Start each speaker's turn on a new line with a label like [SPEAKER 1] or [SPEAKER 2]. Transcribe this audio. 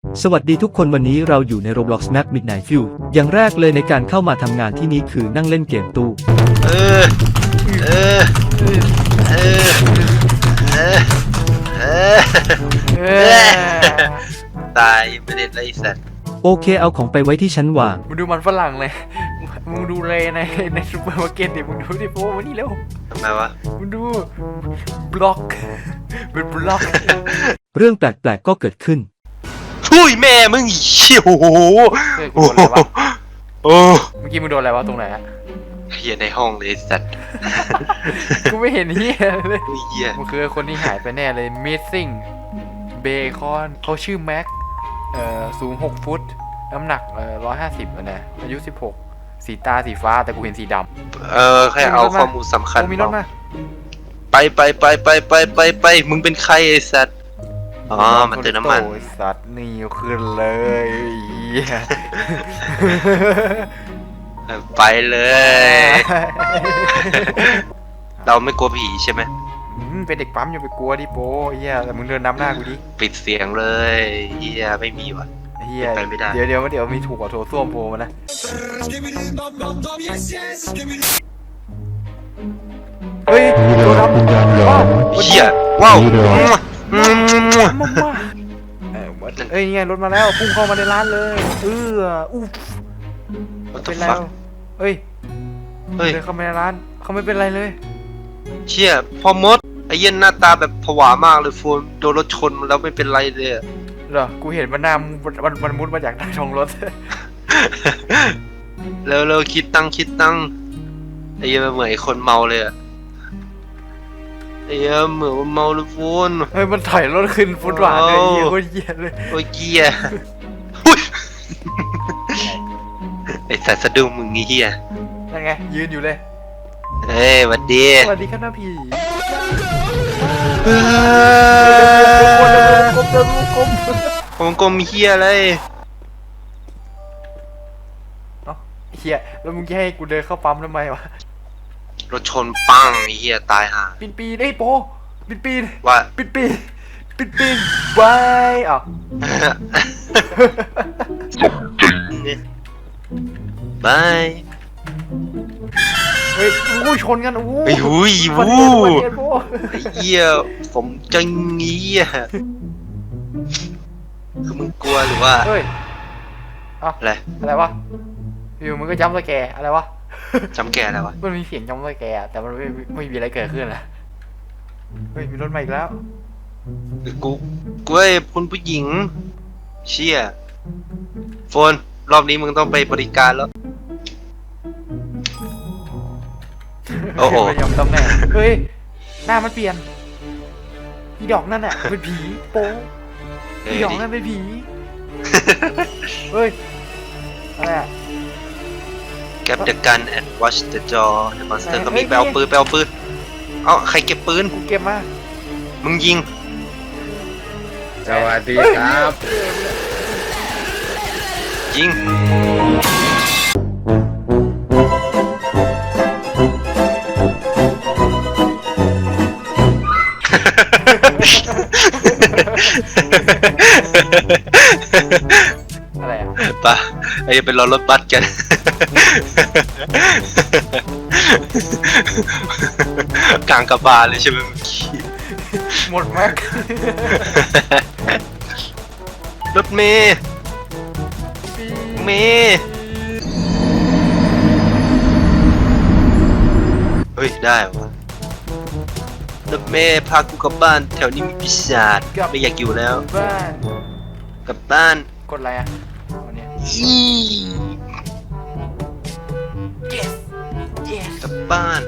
[SPEAKER 1] สวัสดีทุกคนวันนี้เราอยู่ใน Roblox Map Midnight View อย่างแรกเลยในการเข้ามาทำงานที่นี่คือนั่งเล่นเกมตู้
[SPEAKER 2] เออเออเออเออเออตายไม่ได้ไรสัตว์
[SPEAKER 1] โอเคเอาของไปไว้ที่ชั้นวาง
[SPEAKER 3] มึงดูมันฝรั่งเลย มึงดูเลยในซูเปอร์มาร์เก็ตดิมึงดูดิโป้มานี่เร็ว
[SPEAKER 2] ทำไมวะ
[SPEAKER 3] มึงดูบล็อกเป็นบล็อก
[SPEAKER 1] เรื่องแปลกๆก็เกิดขึ้น
[SPEAKER 2] ทุยแม่มึงเชี่ยวโอ้โห
[SPEAKER 3] เฮ้ยกูโดนอะไรวะ
[SPEAKER 2] โอ้
[SPEAKER 3] เมื่อกี้มึงโดนอะไรวะตรงไหนอะ
[SPEAKER 2] เฮียในห้องเลยสัตว์
[SPEAKER 3] กูไม่เห็นเฮียเลย
[SPEAKER 2] เฮีย
[SPEAKER 3] มันคือคนที่หายไปแน่เลย missing bacon เขาชื่อแม็กสูง6 ฟุตน้ำหนัก150นะอายุ16สีตาสีฟ้าแต่กูเห็นสีดำ
[SPEAKER 2] แค่เอาข้อมูลสำคัญ
[SPEAKER 3] โอ้มีรถมา
[SPEAKER 2] ไปมึงเป็นใครไอ้สัตว์อ๋อมันเติมน้ำมัน
[SPEAKER 3] โอ้ยสัตว์นี่ขึ้นเลยเหี้ย
[SPEAKER 2] ไปเลย เราไม่กลัวผีใช่ไหม
[SPEAKER 3] เป็นเด็กปั๊มอย่าไปกลัวดิโป้เฮียแต่มึงเดินนำหน้ากูดิ
[SPEAKER 2] ปิดเสียงเลยเฮียไม่มีว่ะ
[SPEAKER 3] เฮีย
[SPEAKER 2] ไปไม่ได้
[SPEAKER 3] เดี๋ยวมีถูกกว่าโถส้วมโผล่มานะเฮ้ยโดนดำว้าว
[SPEAKER 2] เฮียว้าว
[SPEAKER 3] มาเอ้ยนี่ไงรถมาแล้วพุ่งเข้ามาในร้านเลยอุ๊บ
[SPEAKER 2] What
[SPEAKER 3] เป็
[SPEAKER 2] the
[SPEAKER 3] นไร
[SPEAKER 2] fuck
[SPEAKER 3] เฮ้ย
[SPEAKER 2] เฮ้ย
[SPEAKER 3] เดินเข้ามาในร้านเขาไม่เป็นไรเลย
[SPEAKER 2] เชี่ยพอมดไอ้เหี้ย็นหน้าตาแบบผวามากเลยฟูนโดนรถชนมาแล้วไม่เป็นไรเลยอะ
[SPEAKER 3] เหรอกูเห็นมันหน้ามันมุดมาจากใต้ท้องรถ
[SPEAKER 2] แล้วคิดตังค์ไอ้เหี้ยมันเหมือนไอ้คนเมาเลยอะไอ้เหี้ยเหมือนว่าเมาเลยฟูน
[SPEAKER 3] เฮ้ยมันถอยรถขึ้นฟุตบาทเลยเฮียโคตรเหี้ยเลย
[SPEAKER 2] โอ้ยเกียหุ้ยไอ้สัตว์สะดุ้งมึงนี่เหี้ย
[SPEAKER 3] นั่นไงยืนอยู่เลย
[SPEAKER 2] เฮ้ยหวัดดี
[SPEAKER 3] สวัสดีครับหน้าผี
[SPEAKER 2] เฮ้
[SPEAKER 3] กลม
[SPEAKER 2] ผมกลมเหี้ยอะไร
[SPEAKER 3] เอ้าเฮียแล้วมึงจะให้กูเดินเข้าปั๊มทำไมวะ
[SPEAKER 2] รถชนปังไอ้เหี้ยตายห่า
[SPEAKER 3] ปีนไอ้โปปีน
[SPEAKER 2] ว่า
[SPEAKER 3] ปีนไว้อ้าว
[SPEAKER 2] บาย
[SPEAKER 3] เฮ้ยอู้ชนกันอู้
[SPEAKER 2] ไอ้หุย
[SPEAKER 3] ฟัน
[SPEAKER 2] วู้
[SPEAKER 3] เดียวโป
[SPEAKER 2] ไอ้เหี้ยผมจังงี้อ่ะคือมึงกลัวหรือว่า
[SPEAKER 3] เฮ้ยเอ้า
[SPEAKER 2] อะไร
[SPEAKER 3] อะไรวะอยู่มึงก็จำสแกร์อะไรวะ
[SPEAKER 2] จำแกอะไรวะ
[SPEAKER 3] มันมีเสียงจำสแกร์แต่มันไม่มีอะไรเกิดขึ้นนะเฮ้ยมีรถมาอีกแล้ว
[SPEAKER 2] กูไอ้คุณผู้หญิง เชี่ยโฟนรอบนี้มึงต้องไปบริการแล้ว โอ้โห
[SPEAKER 3] ไม่ยอมตำแหน่งเฮ้ยหน้ามันเปลี่ยนอีดอกนั่นน่ะเป็นผีโป๊อีดอกนั่นเป็นผีเฮ้ยอะไรอะ
[SPEAKER 2] Grab the gun and watch the jaw the monster ก็มีไปเอาปืนเอ้าใครเก็บปืน
[SPEAKER 3] กูเก็บมา
[SPEAKER 2] มึงยิง
[SPEAKER 4] สวัสดีครับ
[SPEAKER 2] ยิง
[SPEAKER 3] อะไรอะ
[SPEAKER 2] ปะไอ้เป็นรถบัสกัน กลางกระบาลเลยใช่ไหมเมื่อกี้
[SPEAKER 3] หมดแม็ก
[SPEAKER 2] รถเมย์เมย์เฮ้ยได้วะรถเมย์พากูกลับบ้านแถวนี้มีปีศาจไม่อยากอยู่แล้ว
[SPEAKER 3] บ้าน
[SPEAKER 2] กลับบ้าน
[SPEAKER 3] กดอะไรอะวันเนี้ย
[SPEAKER 2] อี
[SPEAKER 3] yes yes
[SPEAKER 2] กลับบ้าน